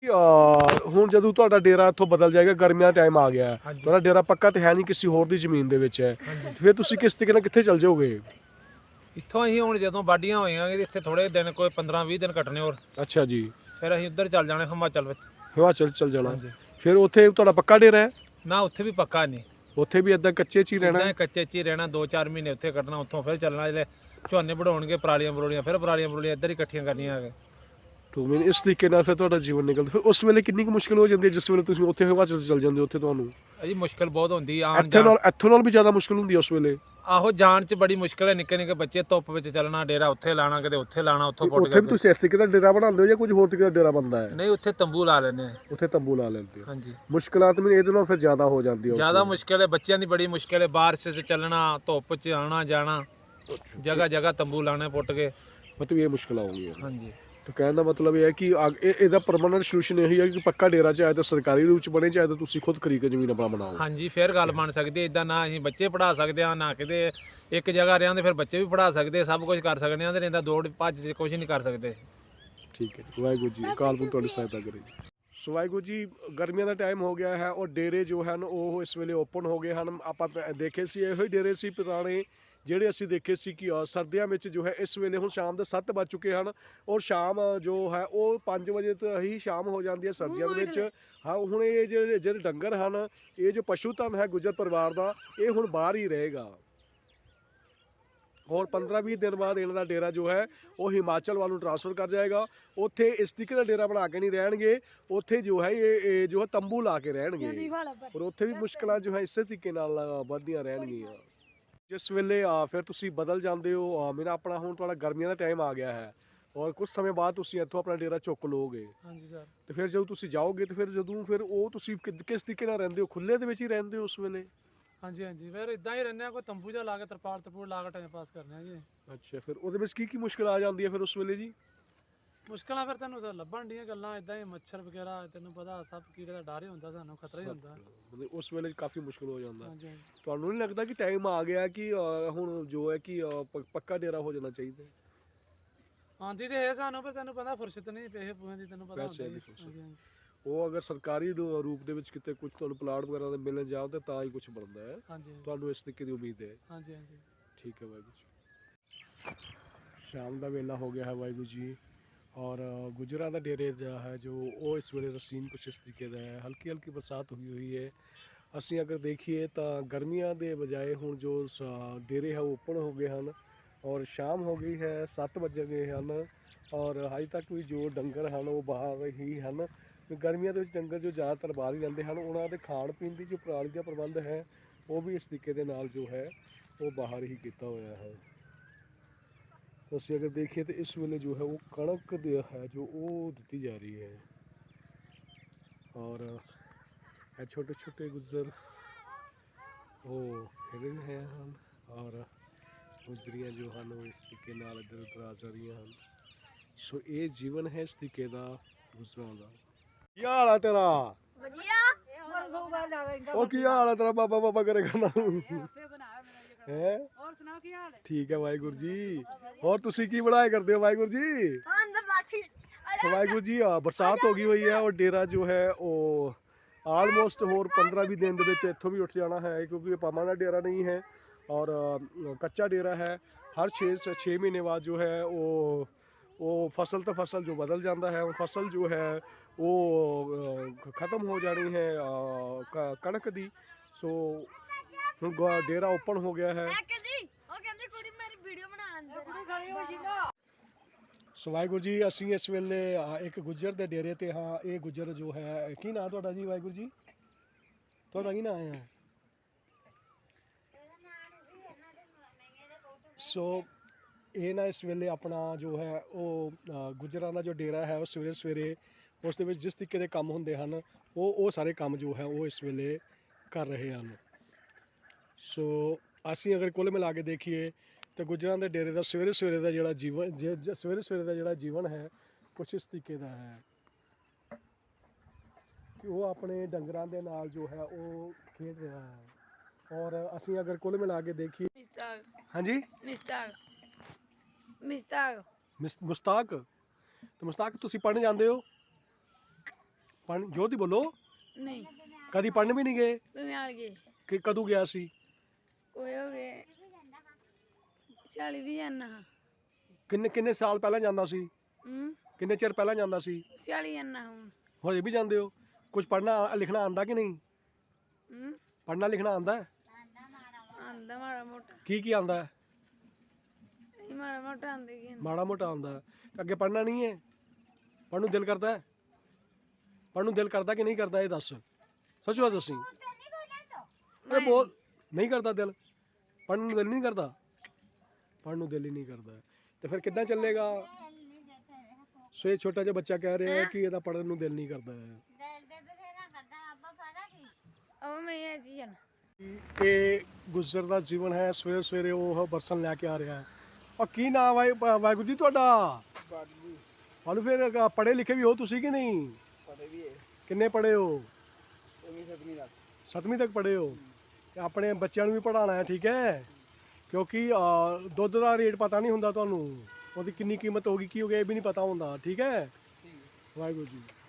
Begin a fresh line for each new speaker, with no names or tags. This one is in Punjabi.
ਹੁਣ ਜਦੋਂ ਤੁਹਾਡਾ ਡੇਰਾ ਇੱਥੋਂ ਬਦਲ ਜਾਏਗਾ, ਗਰਮੀਆਂ ਦਾ ਟਾਈਮ ਆ ਗਿਆ ਹੈ,
ਹਾਂਜੀ।
ਤੁਹਾਡਾ ਡੇਰਾ ਪੱਕਾ ਤੇ ਹੈ ਨਹੀਂ, ਕਿਸੇ ਹੋਰ ਦੀ ਜ਼ਮੀਨ ਦੇ ਵਿੱਚ ਹੈ, ਫਿਰ ਤੁਸੀਂ ਕਿਸ ਤਰੀਕੇ ਨਾਲ ਕਿੱਥੇ ਚਲ ਜਾਓਗੇ?
ਇੱਥੋਂ ਅਸੀਂ ਹੁਣ ਜਦੋਂ ਵਾਢੀਆਂ ਹੋਈਆਂ ਇੱਥੇ ਥੋੜੇ ਦਿਨ ਕੋਈ 15-20 ਦਿਨ ਕੱਟਣੇ ਹੋਰ,
ਅੱਛਾ ਜੀ,
ਫਿਰ ਅਸੀਂ ਉੱਧਰ ਚੱਲ ਜਾਣਾ ਹਿਮਾਚਲ ਵਿੱਚ।
ਹਿਮਾਚਲ ਚਲ ਜਾਣਾ।
ਹਾਂਜੀ।
ਫਿਰ ਉੱਥੇ ਤੁਹਾਡਾ ਪੱਕਾ ਡੇਰਾ ਹੈ?
ਨਾ ਉੱਥੇ ਵੀ ਪੱਕਾ ਨਹੀਂ,
ਉੱਥੇ ਵੀ ਇਦਾਂ ਕੱਚੇ 'ਚ ਹੀ ਰਹਿਣਾ?
ਇੱਦਾਂ ਹੀ ਕੱਚੇ 'ਚ ਹੀ ਰਹਿਣਾ, 2-4 ਮਹੀਨੇ ਉੱਥੇ ਕੱਟਣਾ, ਉੱਥੋਂ ਫਿਰ ਚੱਲਣਾ। ਜਿਹੜੇ ਝੋਨੇ ਵਢਾਉਣਗੇ ਪਰਾਲੀਆਂ ਬਰੋਲੀਆਂ, ਫਿਰ ਪਰਾਲੀਆਂ ਬਰੋਲੀਆਂ ਇੱਧਰ ਹੀ ਇਕੱਠੀਆਂ ਕਰਨੀਆਂ ਆ ਕੇ।
ਤੋ ਮੈਨੂੰ ਇਸ ਤਰੀਕੇ ਨਾਲ ਫਿਰ ਤੁਹਾਡਾ ਜੀਵਨ ਨਿਕਲਦਾ। ਫਿਰ ਉਸ ਵੇਲੇ ਕਿੰਨੀ ਕੁ ਮੁਸ਼ਕਿਲ ਹੋ ਜਾਂਦੀ ਹੈ ਜਿਸ ਵੇਲੇ ਤੁਸੀਂ ਉੱਥੇ ਹਿਮਾਚਲ ਚਲ ਜਾਂਦੇ ਹੋ? ਉੱਥੇ ਤੁਹਾਨੂੰ
ਅਜੀ ਮੁਸ਼ਕਲ ਬਹੁਤ ਹੁੰਦੀ ਆਉਣ
ਇੱਥੋਂ ਨਾਲ ਵੀ ਜ਼ਿਆਦਾ ਮੁਸ਼ਕਿਲ ਹੁੰਦੀ ਹੈ ਉਸ ਵੇਲੇ?
ਆਹੋ, ਜਾਣ 'ਚ ਬੜੀ ਮੁਸ਼ਕਲ ਹੈ। ਨਿੱਕੇ ਨਿੱਕੇ ਬੱਚੇ ਧੁੱਪ ਵਿੱਚ ਚੱਲਣਾ, ਡੇਰਾ ਉੱਥੇ ਲਾਣਾ, ਕਿਤੇ ਉੱਥੇ ਲਾਣਾ, ਉੱਥੋਂ ਪੁੱਟ
ਉੱਥੇ ਵੀ ਤੁਸੀਂ ਇਸ ਤਰੀਕੇ ਦਾ ਡੇਰਾ ਬਣਾਉਂਦੇ ਹੋ ਜਾਂ ਕੁਝ ਹੋਰ ਤਰੀਕੇ ਦਾ ਡੇਰਾ ਬਣਦਾ ਹੈ?
ਨਹੀਂ, ਉੱਥੇ ਤੰਬੂ ਲਾ ਲੈਂਦੇ ਆ।
ਉੱਥੇ ਤੰਬੂ ਲਾ ਲੈਂਦੇ ਹੋ।
ਹਾਂਜੀ।
ਮੁਸ਼ਕਿਲਾਂ ਤਾਂ ਮੈਨੂੰ ਇਹਦੇ ਨਾਲ ਫਿਰ ਜ਼ਿਆਦਾ ਹੋ ਜਾਂਦੀ ਹੈ।
ਜ਼ਿਆਦਾ ਮੁਸ਼ਕਿਲ ਹੈ, ਬੱਚਿਆਂ ਦੀ ਬੜੀ ਮੁਸ਼ਕਿਲ ਹੈ। ਬਾਰਿਸ਼ 'ਚ ਚੱਲਣਾ, ਧੁੱਪ 'ਚ ਆਉਣਾ ਜਾਣਾ, ਜਗ੍ਹਾ ਜਗ੍ਹਾ ਤੰਬੂ ਲਾਣੇ ਪੁੱਟ ਕੇ।
ਮਤਲਬ ਇਹ ਮੁਸ਼ਕਿਲਾਂ ਆਉਂਦੀਆਂ।
ਹਾਂਜੀ।
ਤਾਂ ਕਹਿਣ ਦਾ ਮਤਲਬ ਇਹ ਹੈ ਕਿ ਇਹਦਾ ਪਰਮਾਨੈਂਟ ਸੋਲੂਸ਼ਨ ਇਹੀ ਹੈ ਕਿ ਪੱਕਾ ਡੇਰਾ ਚਾਹੇ ਤਾਂ ਸਰਕਾਰੀ ਰੂਪ ਚ ਬਣੇ, ਚਾਹੇ ਤਾਂ ਤੁਸੀਂ ਖੁਦ ਖਰੀਦ ਕੇ ਜ਼ਮੀਨ ਆਪਣਾ ਬਣਾਓ।
ਹਾਂਜੀ, ਫਿਰ ਗੱਲ ਬਣ ਸਕਦੀ ਹੈ। ਇਦਾਂ ਨਾ ਅਸੀਂ ਬੱਚੇ ਪੜ੍ਹਾ ਸਕਦੇ ਹਾਂ, ਨਾ ਕਿਤੇ ਇੱਕ ਜਗ੍ਹਾ ਰਹਿੰਦੇ ਫਿਰ ਬੱਚੇ ਵੀ ਪੜ੍ਹਾ ਸਕਦੇ, ਸਭ ਕੁਝ ਕਰ ਸਕਦੇ ਹਾਂ। ਤੇ ਇਹਦਾ ਦੌੜ ਭੱਜ ਕੁਝ ਨਹੀਂ ਕਰ ਸਕਦੇ।
ਠੀਕ ਹੈ ਜੀ, ਵਾਹਿਗੁਰੂ ਜੀ ਅਕਾਲ ਪੁਰਖ ਤੁਹਾਡੀ ਸਹਾਇਤਾ ਕਰੇ। ਸੋ ਵਾਹਿਗੁਰੂ ਜੀ, ਗਰਮੀਆਂ ਦਾ ਟਾਈਮ ਹੋ ਗਿਆ ਹੈ ਔਰ ਡੇਰੇ ਜੋ ਹਨ ਉਹ ਇਸ ਵੇਲੇ ਓਪਨ ਹੋ ਗਏ ਹਨ। ਆਪਾਂ ਦੇਖੇ ਸੀ ਇਹੋ ਹੀ ਡੇਰੇ ਸੀ ਪੁਰਾਣੇ ਜਿਹੜੇ ਅਸੀਂ ਦੇਖੇ ਸੀ ਕਿ ਸਰਦੀਆਂ ਵਿੱਚ ਜੋ ਹੈ ਇਸ ਵੇਲੇ ਹੁਣ ਸ਼ਾਮ ਦੇ 7 ਵੱਜ ਚੁੱਕੇ ਹਨ ਔਰ ਸ਼ਾਮ ਜੋ ਹੈ ਉਹ 5 ਵਜੇ ਤੋਂ ਹੀ ਸ਼ਾਮ ਹੋ ਜਾਂਦੀ ਹੈ ਸਰਦੀਆਂ ਦੇ ਵਿੱਚ। ਹਾਂ, ਹੁਣ ਇਹ ਜਿਹੜੇ ਡੰਗਰ ਹਨ, ਇਹ ਜੋ ਪਸ਼ੂ ਧਨ ਹੈ ਗੁੱਜਰ ਪਰਿਵਾਰ ਦਾ, ਇਹ ਹੁਣ ਬਾਹਰ ਹੀ ਰਹੇਗਾ ਔਰ 15-20 ਦਿਨ ਬਾਅਦ ਇਹਨਾਂ ਦਾ ਡੇਰਾ ਜੋ ਹੈ ਉਹ ਹਿਮਾਚਲ ਵੱਲ ਨੂੰ ਟ੍ਰਾਂਸਫਰ ਕਰ ਜਾਏਗਾ। ਉੱਥੇ ਇਸ ਤਰੀਕੇ ਦਾ ਡੇਰਾ ਬਣਾ ਕੇ ਨਹੀਂ ਰਹਿਣਗੇ, ਉੱਥੇ ਜੋ ਹੈ ਇਹ ਜੋ ਹੈ ਤੰਬੂ ਲਾ ਕੇ ਰਹਿਣਗੇ ਔਰ ਉੱਥੇ ਵੀ ਮੁਸ਼ਕਲਾਂ ਜੋ ਹੈ ਇਸੇ ਤਰੀਕੇ ਨਾਲ ਵੱਧਦੀਆਂ ਰਹਿਣਗੀਆਂ। ਜਿਸ ਵੇਲੇ ਫਿਰ ਤੁਸੀਂ ਬਦਲ ਜਾਂਦੇ ਹੋ, ਮੇਰਾ ਆਪਣਾ ਹੁਣ ਤੁਹਾਡਾ ਗਰਮੀਆਂ ਦਾ ਟਾਈਮ ਆ ਗਿਆ ਹੈ ਔਰ ਕੁਝ ਸਮੇਂ ਬਾਅਦ ਤੁਸੀਂ ਇੱਥੋਂ ਆਪਣਾ ਡੇਰਾ ਚੁੱਕ ਲਓਗੇ।
ਹਾਂਜੀ ਸਰ।
ਤੇ ਫਿਰ ਜਦੋਂ ਤੁਸੀਂ ਜਾਓਗੇ ਤੇ ਫਿਰ ਉਹ ਤੁਸੀਂ ਕਿਸ ਤਰੀਕੇ ਨਾਲ ਰਹਿੰਦੇ ਹੋ? ਖੁੱਲੇ ਦੇ ਵਿੱਚ ਹੀ ਰਹਿੰਦੇ ਹੋ ਉਸ ਵੇਲੇ?
ਹਾਂਜੀ ਹਾਂਜੀ, ਫਿਰ ਇਦਾਂ ਹੀ ਰਹਿੰਦੇ ਆ, ਕੋਈ ਤੰਬੂ ਜਿਹਾ ਲਾ ਕੇ ਤਰਪਾਲ ਲਾ ਕੇ ਟਾਈਮ ਪਾਸ ਕਰਨੇ ਆ ਜੀ।
ਅੱਛਾ, ਫਿਰ ਉਹਦੇ ਵਿੱਚ ਕੀ ਮੁਸ਼ਕਿਲ ਆ ਜਾਂਦੀ ਹੈ ਫਿਰ ਉਸ ਵੇਲੇ ਜੀ?
ਮੁਸ਼ਕਲਾਂ ਫਿਰ ਤੈਨੂੰ ਲੱਭਣ ਦੀਆਂ ਗੱਲਾਂ ਇਦਾਂ ਹੀ, ਮੱਛਰ ਵਗੈਰਾ, ਤੈਨੂੰ ਪਤਾ ਸਭ ਕੀੜੇ ਦਾ ਡਰ ਹੀ ਹੁੰਦਾ, ਸਾਨੂੰ ਖਤਰਾ ਹੀ ਹੁੰਦਾ।
ਮਤਲਬ ਉਸ ਵੇਲੇ ਕਾਫੀ ਮੁਸ਼ਕਿਲ ਹੋ ਜਾਂਦਾ।
ਹਾਂਜੀ ਹਾਂਜੀ।
ਤੁਹਾਨੂੰ ਨਹੀਂ ਲੱਗਦਾ ਕਿ ਟਾਈਮ ਆ ਗਿਆ ਕਿ ਹੁਣ ਜੋ ਹੈ ਕਿ ਪੱਕਾ ਡੇਰਾ ਹੋ ਜਾਣਾ ਚਾਹੀਦਾ?
ਆਂਦੀ ਤੇ ਇਹ ਸਾਨੂੰ, ਪਰ ਤੈਨੂੰ ਪਤਾ ਫੁਰਸਤ ਨਹੀਂ, ਪੈਸੇ ਪੂਸੇ ਦੀ ਤੈਨੂੰ ਪਤਾ ਹੁੰਦਾ ਜੀ।
ਉਹ ਅਗਰ ਸਰਕਾਰੀ ਰੂਪ ਦੇ ਵਿੱਚ ਕਿਤੇ ਕੁਝ ਤੁਹਾਨੂੰ ਪਲਾਟ ਵਗੈਰਾ ਦੇ ਮਿਲਣ ਜਾਓ ਤਾਂ ਤਾਂ ਹੀ ਕੁਝ ਬਣਦਾ ਹੈ।
ਹਾਂਜੀ।
ਤੁਹਾਨੂੰ ਇਸ ਤਰੀਕੇ ਦੀ ਉਮੀਦ ਹੈ?
ਹਾਂਜੀ ਹਾਂਜੀ।
ਠੀਕ ਹੈ ਵਾਹਿਗੁਰੂ ਜੀ। ਸ਼ਾਮ ਦਾ ਵੇਲਾ ਹੋ ਗਿਆ ਹੈ ਵਾਹਿਗੁਰੂ ਜੀ ਔਰ ਗੁਜਰਾਂ ਦਾ ਡੇਰੇ ਦਾ ਹੈ ਜੋ ਉਹ ਇਸ ਵੇਲੇ ਦਾ ਸੀਨ ਕੁਛ ਇਸ ਤਰੀਕੇ ਦਾ ਹੈ। ਹਲਕੀ ਹਲਕੀ ਬਰਸਾਤ ਹੋਈ ਹੈ। ਅਸੀਂ ਅਗਰ ਦੇਖੀਏ ਤਾਂ ਗਰਮੀਆਂ ਦੇ ਬਜਾਏ ਹੁਣ ਜੋ ਡੇਰੇ ਹੈ ਉਹ ਓਪਨ ਹੋ ਗਏ ਹਨ ਔਰ ਸ਼ਾਮ ਹੋ ਗਈ ਹੈ, 7 ਵੱਜ ਗਏ ਹਨ ਔਰ ਹਜੇ ਤੱਕ ਵੀ ਜੋ ਡੰਗਰ ਹਨ ਉਹ ਬਾਹਰ ਹੀ ਹਨ। ਗਰਮੀਆਂ ਦੇ ਵਿੱਚ ਡੰਗਰ ਜੋ ਜ਼ਿਆਦਾਤਰ ਬਾਹਰ ਹੀ ਰਹਿੰਦੇ ਹਨ, ਉਹਨਾਂ ਦੇ ਖਾਣ ਪੀਣ ਦੀ ਜੋ ਪ੍ਰਣਾਲੀ ਦਾ ਪ੍ਰਬੰਧ ਹੈ ਉਹ ਵੀ ਇਸ ਤਰੀਕੇ ਦੇ ਨਾਲ ਜੋ ਹੈ ਉਹ ਬਾਹਰ ਹੀ ਕੀਤਾ ਹੋਇਆ ਹੈ। ਅਸੀਂ ਅਗਰ ਦੇਖੀਏ ਤਾਂ ਇਸ ਵੇਲੇ ਜੋ ਹੈ ਉਹ ਕਣਕ ਦੇ ਹੈ ਜੋ ਉਹ ਦਿੱਤੀ ਜਾ ਰਹੀ ਹੈ ਔਰ ਇਹ ਛੋਟੇ ਛੋਟੇ ਗੁੱਜਰ ਉਹ ਹਿਲ ਰਹੇ ਹਨ ਔਰ ਗੁਜ਼ਰੀਆਂ ਜੋ ਹਨ ਉਹ ਇਸ ਤਰੀਕੇ ਨਾਲ ਇੱਧਰ ਉੱਧਰ ਆ ਜਾ ਰਹੀਆਂ ਹਨ। ਸੋ ਇਹ ਜੀਵਨ ਹੈ ਇਸ ਤਰੀਕੇ ਦਾ ਗੁਜ਼ਰਾਂ ਦਾ। ਕੀ ਹਾਲ ਹੈ ਤੇਰਾ?
ਵਧੀਆ।
ਉਹ ਕੀ ਹਾਲ ਹੈ ਤੇਰਾ? ਬਾਬਾ ਬਾਬਾ ਕਰੇਗਾ ਨਾ ਹੈ?
ਹੋਰ ਸੁਣਾਓ ਕੀ ਹਾਲ ਹੈ?
ਠੀਕ ਹੈ ਵਾਹਿਗੁਰੂ ਜੀ। ਹੋਰ ਤੁਸੀਂ ਕੀ ਬਣਾਏ ਕਰਦੇ ਹੋ ਵਾਹਿਗੁਰੂ ਜੀ?
ਅੰਦਰ ਬਾਠੀ।
ਵਾਹਿਗੁਰੂ ਜੀ, ਬਰਸਾਤ ਹੋ ਗਈ ਹੋਈ ਹੈ ਔਰ ਡੇਰਾ ਜੋ ਹੈ ਉਹ ਆਲਮੋਸਟ ਹੋਰ 15-20 ਦਿਨ ਦੇ ਵਿੱਚ ਇੱਥੋਂ ਵੀ ਉੱਠ ਜਾਣਾ ਹੈ ਕਿਉਂਕਿ ਇਹ ਪਰਮਾਨੈਂਟ ਡੇਰਾ ਨਹੀਂ ਹੈ ਔਰ ਕੱਚਾ ਡੇਰਾ ਹੈ। ਹਰ 6 ਮਹੀਨੇ ਬਾਅਦ ਜੋ ਹੈ ਉਹ ਫਸਲ ਤੋਂ ਫਸਲ ਜੋ ਬਦਲ ਜਾਂਦਾ ਹੈ। ਉਹ ਫਸਲ ਜੋ ਹੈ ਉਹ ਖਤਮ ਹੋ ਜਾਣੀ ਹੈ ਕਣਕ ਦੀ। ਸੋ ਹੁਣ ਡੇਰਾ ਓਪਨ ਹੋ ਗਿਆ ਹੈ।
ਉਹ ਕਹਿੰਦੀ ਕੁੜੀ ਮੇਰੀ ਵੀਡੀਓ ਬਣਾ ਅੰਦਰ ਕੁੜੀ ਖੜੀ ਹੋ ਸੀਗਾ।
ਸੋ ਵਾਹਿਗੁਰੂ ਜੀ, ਅਸੀਂ ਇਸ ਵੇਲੇ ਇੱਕ ਗੁੱਜਰ ਦੇ ਡੇਰੇ ਤੇ ਹਾਂ। ਇਹ ਗੁੱਜਰ ਜੋ ਹੈ, ਕੀ ਨਾਂ ਤੁਹਾਡਾ ਜੀ ਵਾਹਿਗੁਰੂ ਜੀ? ਤੁਹਾਡਾ ਕੀ ਨਾਂ ਹੈ? ਸੋ ਇਹ ਨਾ ਇਸ ਵੇਲੇ ਆਪਣਾ ਜੋ ਹੈ ਉਹ ਗੁੱਜਰਾਂ ਦਾ ਜੋ ਡੇਰਾ ਹੈ ਉਹ ਸਵੇਰੇ ਸਵੇਰੇ ਉਸ ਦੇ ਵਿੱਚ ਜਿਸ ਤਰੀਕੇ ਦੇ ਕੰਮ ਹੁੰਦੇ ਹਨ ਉਹ ਸਾਰੇ ਕੰਮ ਜੋ ਹੈ ਉਹ ਇਸ ਵੇਲੇ ਕਰ ਰਹੇ ਹਨ। ਸੋ ਅਸੀਂ ਅਗਰ ਕੁੱਲ ਮਿਲਾ ਕੇ ਦੇਖੀਏ ਤਾਂ ਗੁੱਜਰਾਂ ਦੇ ਡੇਰੇ ਦਾ ਸਵੇਰੇ ਸਵੇਰੇ ਦਾ ਜਿਹੜਾ ਜੀਵਨ ਹੈ ਕੁਛ ਇਸ ਤਰੀਕੇ ਦਾ ਹੈ ਕਿ ਉਹ ਆਪਣੇ ਡੰਗਰਾਂ ਦੇ ਨਾਲ ਜੋ ਹੈ ਉਹ ਖੇਡ ਰਿਹਾ ਹੈ। ਔਰ ਅਸੀਂ ਅਗਰ ਕੁੱਲ ਮਿਲਾ ਕੇ ਦੇਖੀਏ ਹਾਂਜੀ ਮੁਸਤਾਕ, ਤਾਂ ਮੁਸਤਾਕ ਤੁਸੀਂ ਪੜ੍ਹਨ ਜਾਂਦੇ ਹੋ? ਪੜ੍ਹਨ ਜੋਤੀ ਬੋਲੋ।
ਨਹੀਂ
ਕਦੀ ਪੜ੍ਹਨ ਵੀ ਨਹੀਂ ਗਏ?
ਬਿਮਾਰ ਗਏ
ਕਿ ਕਦੋਂ ਗਿਆ ਸੀ?
ਕੋਈ ਹੋ ਗਏ 40 ਵੀ ਜਾਨਾ ਹਾਂ
ਕਿੰਨੇ ਕਿੰਨੇ ਸਾਲ ਪਹਿਲਾਂ ਜਾਂਦਾ ਸੀ? ਕਿੰਨੇ ਚਿਰ ਪਹਿਲਾਂ ਜਾਂਦਾ ਸੀ?
40 ਜਾਨਾ ਹੁਣ
ਹਜੇ ਵੀ ਜਾਂਦੇ ਹੋ? ਕੁਝ ਪੜ੍ਹਨਾ ਲਿਖਣਾ ਆਂਦਾ ਕਿ ਨਹੀਂ? ਪੜ੍ਹਨਾ ਲਿਖਣਾ ਆਂਦਾ?
ਆਂਦਾ ਮਾੜਾ ਮੋਟਾ
ਕੀ ਕੀ ਆਂਦਾ?
ਨਹੀਂ ਮਾੜਾ ਮੋਟਾ ਆਂਦੇ ਕੀ
ਮਾੜਾ ਮੋਟਾ ਆਂਦਾ। ਅੱਗੇ ਪੜ੍ਹਨਾ ਨਹੀਂ ਹੈ? ਪੜ੍ਹਨ ਨੂੰ ਦਿਲ ਕਰਦਾ ਹੈ? ਪੜ੍ਹਨ ਨੂੰ ਦਿਲ ਕਰਦਾ ਕਿ ਨਹੀਂ ਕਰਦਾ ਇਹ ਦੱਸ, ਸੱਚੋ ਦੱਸੀ। ਇਹ ਬਹੁਤ ਨਹੀਂ ਕਰਦਾ ਦਿਲ? ਪੜ੍ਹਨ ਨੂੰ ਦਿਲ ਨਹੀਂ ਕਰਦਾ? ਪੜ੍ਹਨ ਨੂੰ ਦਿਲ ਹੀ ਨਹੀਂ ਕਰਦਾ ਤੇ ਫਿਰ ਕਿੱਦਾਂ ਚੱਲੇਗਾ? ਸੋ ਇਹ ਛੋਟਾ ਜਿਹਾ ਬੱਚਾ ਕਹਿ ਰਿਹਾ ਹੈ ਕਿ ਇਹਦਾ ਪੜ੍ਹਨ ਨੂੰ ਦਿਲ ਨਹੀਂ ਕਰਦਾ ਹੈ।
ਉਹ ਮੈਂ ਇਹ ਜੀ ਜਾਣਾ
ਇਹ ਗੁਜ਼ਰਦਾ ਜੀਵਨ ਹੈ। ਸਵੇਰੇ ਸਵੇਰੇ ਉਹ ਬਰਸਨ ਲੈ ਕੇ ਆ ਰਿਹਾ ਹੈ। ਔਰ ਕੀ ਨਾਮ ਹੈ ਵਾਹਿਗੁਰੂ ਜੀ ਤੁਹਾਡਾ? ਤੁਹਾਨੂੰ ਫਿਰ ਪੜ੍ਹੇ ਲਿਖੇ ਵੀ ਹੋ ਤੁਸੀਂ ਕਿ ਨਹੀਂ?
ਪੜ੍ਹੇ ਵੀ ਹੈ।
ਕਿੰਨੇ ਪੜ੍ਹੇ ਹੋ?
7ਵੀਂ ਤੱਕ।
7ਵੀਂ ਤੱਕ ਪੜ੍ਹੇ ਹੋ ਤੇ ਆਪਣੇ ਬੱਚਿਆਂ ਨੂੰ ਵੀ ਪੜ੍ਹਾਉਣਾ ਹੈ, ਠੀਕ ਹੈ? ਕਿਉਂਕਿ ਦੁੱਧ ਦਾ ਰੇਟ ਪਤਾ ਨਹੀਂ ਹੁੰਦਾ ਤੁਹਾਨੂੰ, ਉਹਦੀ ਕਿੰਨੀ ਕੀਮਤ ਹੋਗੀ ਕੀ ਹੋ ਗਿਆ ਇਹ ਵੀ ਨਹੀਂ ਪਤਾ ਹੁੰਦਾ, ਠੀਕ ਹੈ? ਵਾਹਿਗੁਰੂ ਜੀ।